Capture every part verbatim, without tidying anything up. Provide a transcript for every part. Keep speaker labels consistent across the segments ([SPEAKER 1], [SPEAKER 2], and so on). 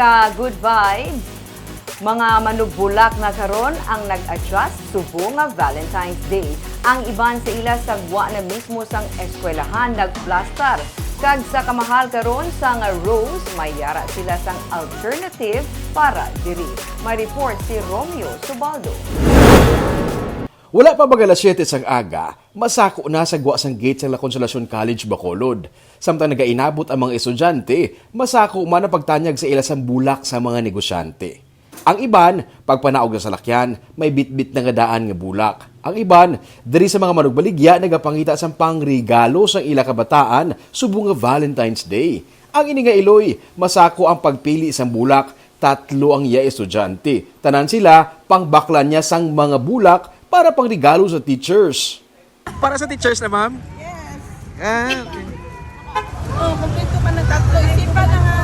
[SPEAKER 1] Sa Good Vibes, mga manubulak na karon ang nag-adjust subo nga Valentine's Day. Ang iban sa ila sagwa na mismo sang eskwelahan nagplastar. Kag sa kamahal karon sang rose, may yara sila sang alternative para diri. May report si Romeo Subaldo.
[SPEAKER 2] Wala pa baga alas siyete sang aga, masako na sa gwa sang gate sa La Consolacion College, Bacolod. Samtang nagainabot ang mga estudyante, masako man ang pagtanyag sa ila sang bulak sa mga negosyante. Ang iban, pagpanaog na salakyan, may bitbit na nga daan nga bulak. Ang iban, diri sa mga manugbaligya nagapangita sang pangregalo sang ila kabataan subong nga Valentine's Day. Ang ini nga iloy, masako ang pagpili sang bulak, tatlo ang iya estudyante. Tanan sila, pangbaklan niya sang mga bulak para pangregalo sa teachers. Para sa teachers na, ma'am?
[SPEAKER 3] Yes.
[SPEAKER 2] Ah, okay.
[SPEAKER 3] Oh, kumpleto pa ng tatlo. Isipan na nga.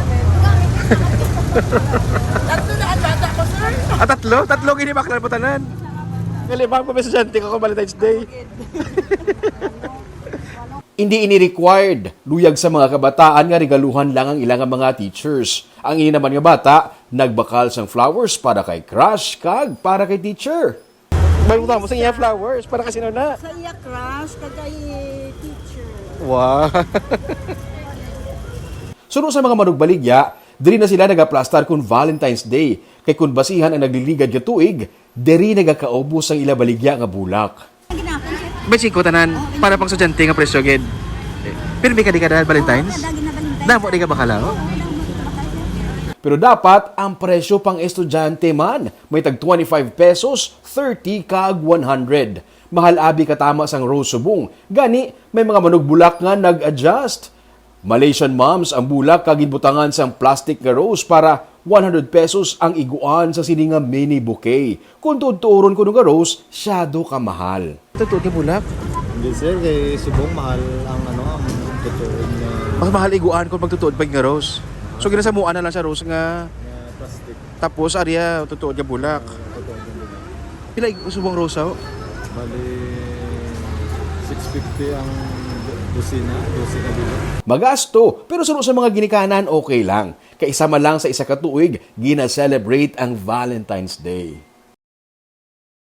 [SPEAKER 3] Tatlo na ang bata ko, sir.
[SPEAKER 2] Ah, tatlo? Tatlo ginibaklan po tanan. Ngalimang po may estudyante ko kung Valentine's Day. Hindi ini-required luyag sa mga kabataan nga regaluhan lang ang ilang mga teachers. Ang ini naman nga bata, nagbakal sang flowers para kay crush kag para kay teacher. May mo sa iya flowers para kasi na.
[SPEAKER 3] Sa iya crush, kagay teacher.
[SPEAKER 2] Wow. Suno sa mga manugbaligya, diri na sila nagaplastar kung Valentine's Day. Kay kung basihan ang nagliligad nga tuig, diri nagakaubos ang ila baligya nga bulak. Basi ko tanan para pang estudyante nga presyo gid. Pero may kadi kada Valentine's? Namo di ka bakala? Pero dapat ang presyo pang estudyante man may tag twenty-five pesos, thirty kag one hundred. Mahal abi katama sang rose subong. Gani may mga manugbulak nga nag-adjust. Malaysian moms ang bulak kag ginbutangan sang plastic nga rose para one hundred pesos ang iguan sa sini nga mini bouquet. Kung tuturon ko nga rose, syado ka mahal. Totoo ka bulak?
[SPEAKER 4] Hindi sir, kay subong mahal ang ano, ang totoo na
[SPEAKER 2] Mas mahal iguan kung pagtutuod pag nga rose. So ginasamuan na lang sa rose nga
[SPEAKER 4] na plastic.
[SPEAKER 2] tapos ariya tutuod nga bulak.
[SPEAKER 4] Totoo yung bulak.
[SPEAKER 2] Pila subong rose oh?
[SPEAKER 4] Bali, six fifty ang dosina, dosina dito.
[SPEAKER 2] Magasto, pero suno sa mga ginikanan okay lang. Kaisa man lang sa isa ka tuig, gina-celebrate ang Valentine's Day.